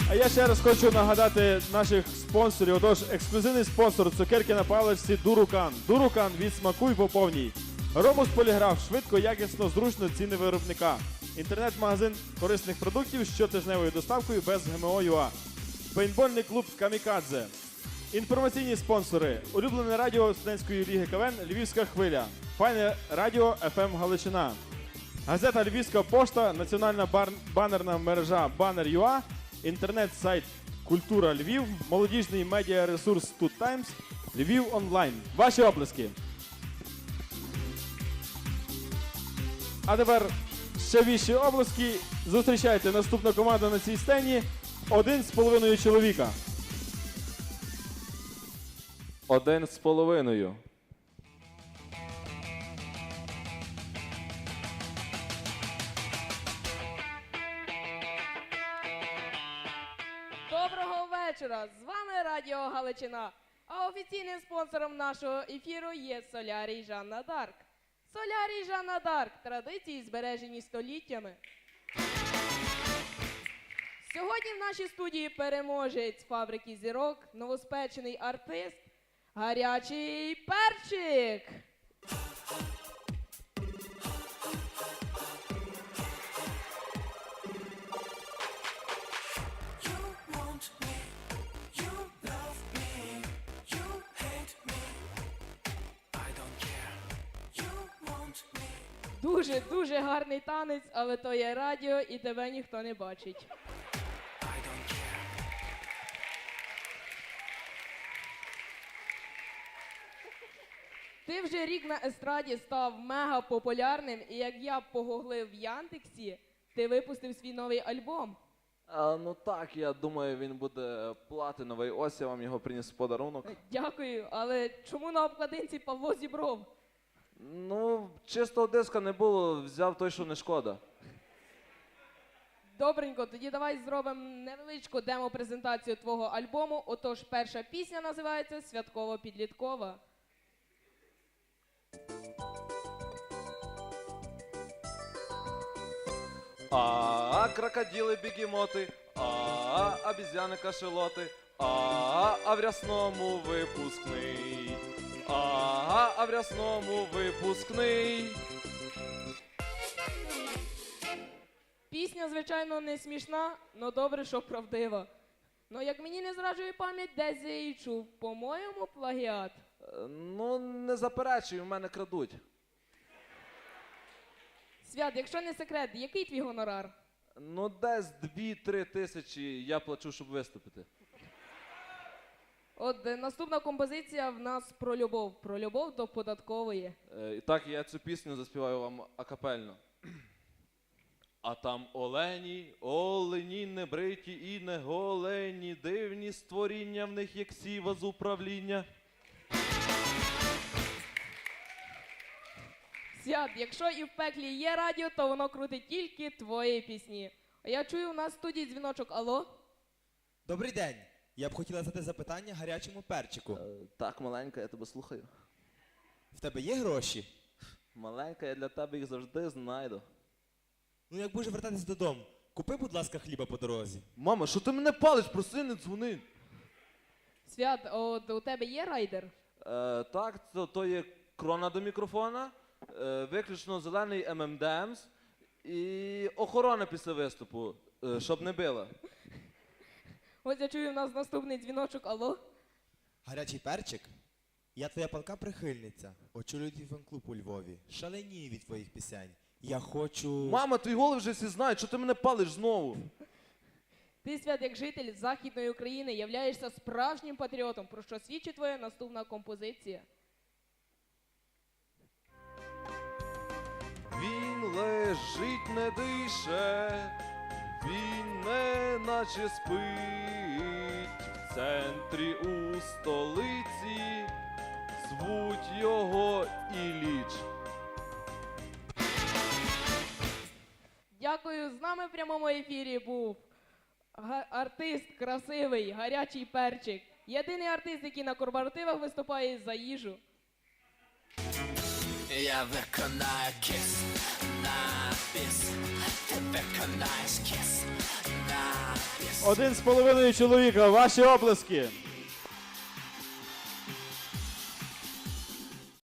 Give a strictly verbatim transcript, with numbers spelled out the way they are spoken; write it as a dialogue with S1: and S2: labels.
S1: А я ще раз хочу нагадати наших спонсорів. Отож, ексклюзивний спонсор цукерки на паличці Дурукан. Дурукан від смаку й по повній. Ромус Поліграф. Швидко, якісно, зручно, ціни виробника. Інтернет-магазин корисних продуктів з щотижневою доставкою без ГМО.ЮА. Пейнтбольний клуб Камікадзе. Інформаційні спонсори. Улюблене радіо студентської ліги КВН «Львівська хвиля». Файне радіо еф ем Галичина. Газета «Львівська пошта», національна бар... банерна мережа Банер.ЮА, інтернет-сайт «Культура Львів», молодіжний медіаресурс Тут Таймс, Львів онлайн. Ваші оплески. А тепер ще вищі оплески. Зустрічайте наступну команду на цій сцені. Один з половиною чоловіка. Один з половиною.
S2: Доброго вечора! З вами Радіо Галичина. А офіційним спонсором нашого ефіру є Солярій Жанна Дарк. Солярій Жанна Дарк. Традиції збережені століттями. Сьогодні в нашій студії переможець фабрики зірок, новоспечений артист, гарячий перчик. Дуже-дуже гарний танець, але то є радіо і тебе ніхто не бачить. Ти вже рік на естраді став мега популярним, і як я погуглив в Яндексі, ти випустив свій новий альбом.
S3: А, ну так, я думаю, він буде платиновий. Ось я вам його приніс в подарунок.
S2: Дякую, але чому на обкладинці Павло Зібров?
S3: Ну, чистого диска не було, взяв той, що не шкода.
S2: Добренько, тоді давай зробимо невеличку демо-презентацію твого альбому. Отож, перша пісня називається «Святково-підліткова».
S3: А, крокодили, бігемоти, а, обізяни, кашелоти, а, а в рясному випускний, а, а в рясному випускний.
S2: Пісня, звичайно, не смішна, но добре, що правдива. Ну, як мені не зраджує пам'ять, десь я її чув. По-моєму, плагіат.
S3: Е, Ну, не заперечуй, у мене крадуть.
S2: Свят, якщо не секрет, який твій гонорар?
S3: Ну, десь дві-три тисячі я плачу, щоб виступити.
S2: От е, наступна композиція в нас про любов. Про любов до податкової.
S3: Е, І так, я цю пісню заспіваю вам акапельно. А там олені, олені, небриті і не голені, дивні створіння в них, як сіва з управління.
S2: Свят, якщо і в пеклі є радіо, то воно крутить тільки твої пісні. А я чую, у нас в студії дзвіночок. Алло?
S4: Добрий день. Я б хотіла задати запитання гарячому перчику.
S3: Е, Так, маленька, я тебе слухаю.
S4: В тебе є гроші?
S3: Маленька, я для тебе їх завжди знайду.
S4: Ну як будеш вертатись додому, купи, будь ласка, хліба по дорозі.
S3: Мама, що ти мене палиш? Проси, не дзвони.
S2: Свят, от у тебе є райдер?
S3: Е, так, то, то є крона до мікрофона, е, виключно зелений ем ем де емс і охорона після виступу, е, щоб не била.
S2: Ось я чую, у нас наступний дзвіночок. Алло?
S4: Гарячий перчик? Я твоя палка прихильниця. Очолюю твій фан-клуб у Львові. Шаленію від твоїх пісень. Я хочу...
S3: Мама, твій голос вже всі знають, що ти мене палиш знову?
S2: Ти, Свят, як житель Західної України, являєшся справжнім патріотом, про що свідчить твоя наступна композиція.
S3: Він лежить, не дише, він не наче спить. В центрі у столиці звуть його Ілліч.
S2: Дякую, з нами в прямому ефірі був га- артист красивий, гарячий перчик. Єдиний артист, який на корпоративах виступає за їжу.
S5: Я виконаю кіс на біс. Ти виконаєш кіс на біс.
S1: Один з половиною чоловіка. Ваші оплески.